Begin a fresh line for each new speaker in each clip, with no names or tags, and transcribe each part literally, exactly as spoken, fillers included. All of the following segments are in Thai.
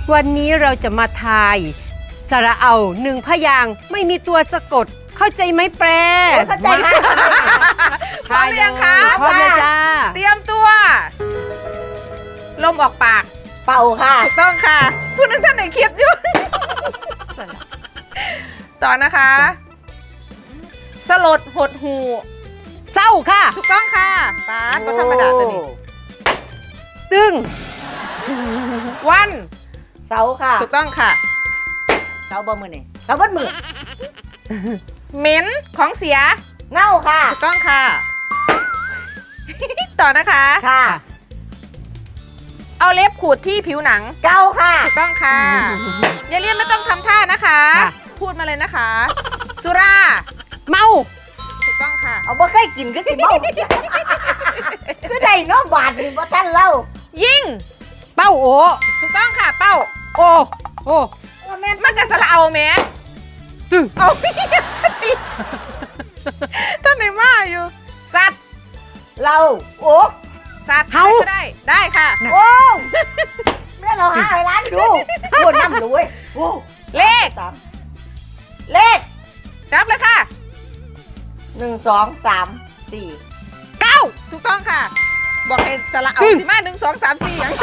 วันนี้เราจะมาทายสระเอาหนึ่งพยางค์ไม่มีตัวสะกดเข้าใจไหมแปร
เข้าใจค่ะ
พร้อมหรือยังคะ
พร้อมเลยจ้า
เตรียมตัวลมออกปาก
เป่าค่ะ
ถูกต้องค่ะผู้นึงท่านไหนคิดอยู่ ต่อนะคะสลดหดหู
เศร้าค่ะ
ถูกต้องค่ะปาดก็ธรรมดาตัวนี้
ตึง
วัน
เสาค่ะ
ถูกต้องค่ะ
เสาบ่มือนี่เสาบ่มือ
เหม็นของเสีย
เน่าค่ะ
ถูกต้องค่ะ ต่อนะคะ
ค่ะ
เอาเล็บขูดที่ผิวหนัง
เกาค่ะ
ถูกต้องค่ะอย่าเรียนไม่ต้องทำท่านะคะพูดมาเลยนะคะสุรา
เมา
ถูกต้องค่ะ
เอาบ่เคยกินก็สิเมาคือได้เนาะบาทนี่บ่ทันเล่า
ยิ่ง
เป้าโอ
ถูกต้องค่ะเป้า
โอโอ
มันกระสละเอาแม่
ตึง
เอาท่านไหนมาอยู่สัตว์
เราโอ้
สัตว์เฮาได้ได้ค่ะ
โอ้แม่เราหาให้ร้านดูโอ้น้ำรวยโอ้
เลข
เลข
รับเลยค่ะ
หนึ่งสองสามสี่
เก้าถูกต้องค่ะบอกให้สละเอาสิมาหนึ่งสองสามสี่อย่าง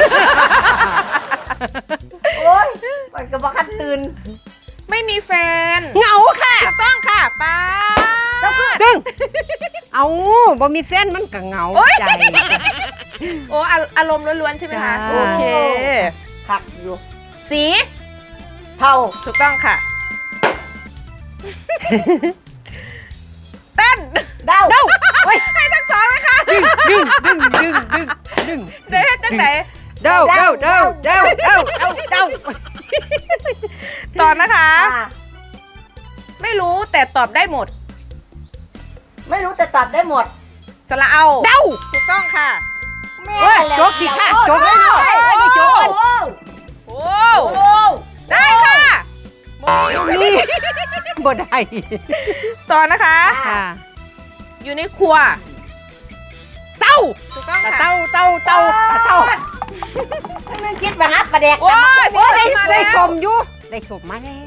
โอ้ยมันก็บอกคันตื่น
ไม่มีแฟน
เหงาค่ะ
ถูกต้องค่ะป้า
ตึงเอาบ่มีแฟนมันก็เหงาใจ
โอ้อารมณ์ล้วนๆใช่ไหมคะโอเค
คักอยู่
สี
เทา
ถูกต้องค่ะเต้น
เดา
เดา
ให้ทั้งสองเลยค่ะ
ดึงดึงดึงดึงดึงดึง
เดี๋ยวให้ตั้งไหน
เดาเดาเดาเดาเดาเดาเดา
ต่อนะคะไม่รู้แต่ตอบได้หมด
ไม่รู้แต่ตอบได้หมด
สละเอา
เดา
ถูกต้องค่ะ
แม่
จกสิค่ะจกเลยได้จกกัน
โอ้ได้ค่ะ
นี่บ่ได้
ต่อนะคะอยู่ในครัว
เต้า
ถูกต้องค่ะ
เต้าเต้าเต้าเต้า
นั่นคิดมาฮะประเด็ก
โอ้
ได้ได้สมอยู่ได้สมมาแล้ว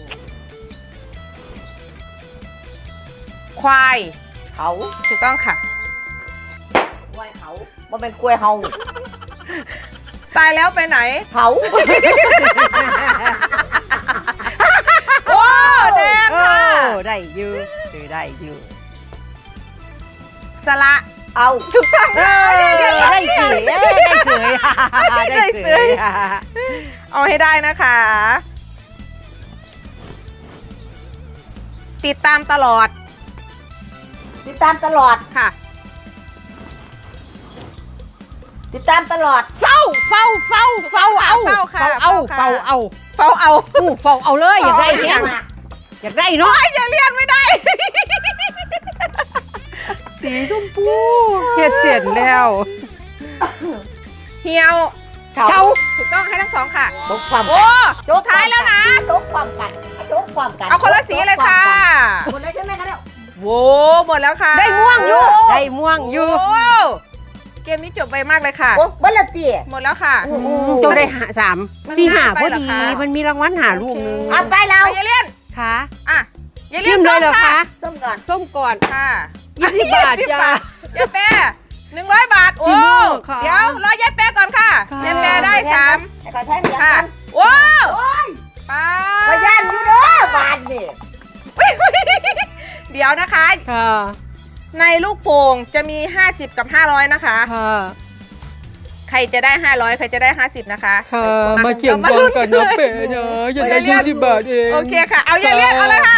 ควาย
เขา
ถูกต้องค่ะ
ควายเขามันเป็นกล้วยเฮา
ตายแล้วไปไหน
เขา
โอ้แดงค่ะ
ได้ยืดคือได้ยืด
สละ
เอา
ถูกต้อง
ได้เสยได้เสย
ได้เสยเอาให้ได้นะคะติดตามตลอด
ติดตามตลอด
ค่ะ
ติดตามตลอด
เฝ้าเฝ้าเฝ้าเฝ้าเอาเฝ้าเอาเฝ้าเอา
เฝ้าเอา
เฝ้าเอาเลยอยากได้เนี้ยอยากได้เนาะ
อย่าเรียนไม่ได้
สีชมพูเฮ็ดเสียนแล้ว
เหี่ยว
เฉา
ถูกต้องให้ทั้งสองค่ะ
ตกความ
โอ้สุดท้ายแล้วนะ
ตกความกันตกความกัน
เอาคนละสีเลยค่ะ
หมดแล้วใช่ไหมคะเนี่ย
โว้หมดแล้วค่ะ
ได้ม่วงอยู่ได้ม่วงอยู่
เกมนี้จบไปมากเลยค่ะ
โอ้บัลลังก์ตี
หมดแล้วค่ะ
จบได้หาสามสี่หาพอดีมันมีรางวัลหาลูกนึง
เอาไปแล้ว
อย่าเลี่ยน
ค่ะ
อ่ะอย่าเลี่ยนส้มค่ะ
ส้มก่อน
ส้มก่อน
ค่ะ
ยี่สิบบาทจ้า
อย่าแปะหนึ่งร้อยบาทโอ้เดี๋ยวรอยายแปะก่อนค่ะยายแปะได้สามค่ะโอ้ป้า
พยานอยู่เด้อบาทนี่
เดี๋ยวนะคะในลูกโป่งจะมีห้าสิบกับห้าร้อยนะคะใครจะได้ห้าร้อยใครจะได้ห้าสิบนะคะ
มาเกี่ยงกันกันนะเป๋นะอย่าได้ยี่สิบบาทเอง
โอเคค่ะเอาอย่าเรียกเอาเลยค่ะ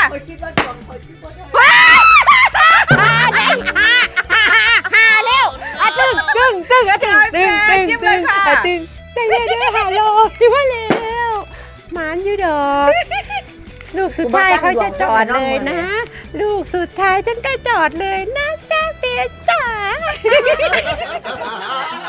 หาแล้วอ่ะตึ้งตึ้งตึ้งอ่ะตึ้งตึ้งตึ้งตึ้งอ่ะตึ้งได้ได้ได้หาโลที่ว่าแล้วหมานอยู่ดอกลูกสุดท้ายเขาจะจอดเลยนะลูกสุดท้ายฉันก็จอดเลยนะจ้าเปียจ๋า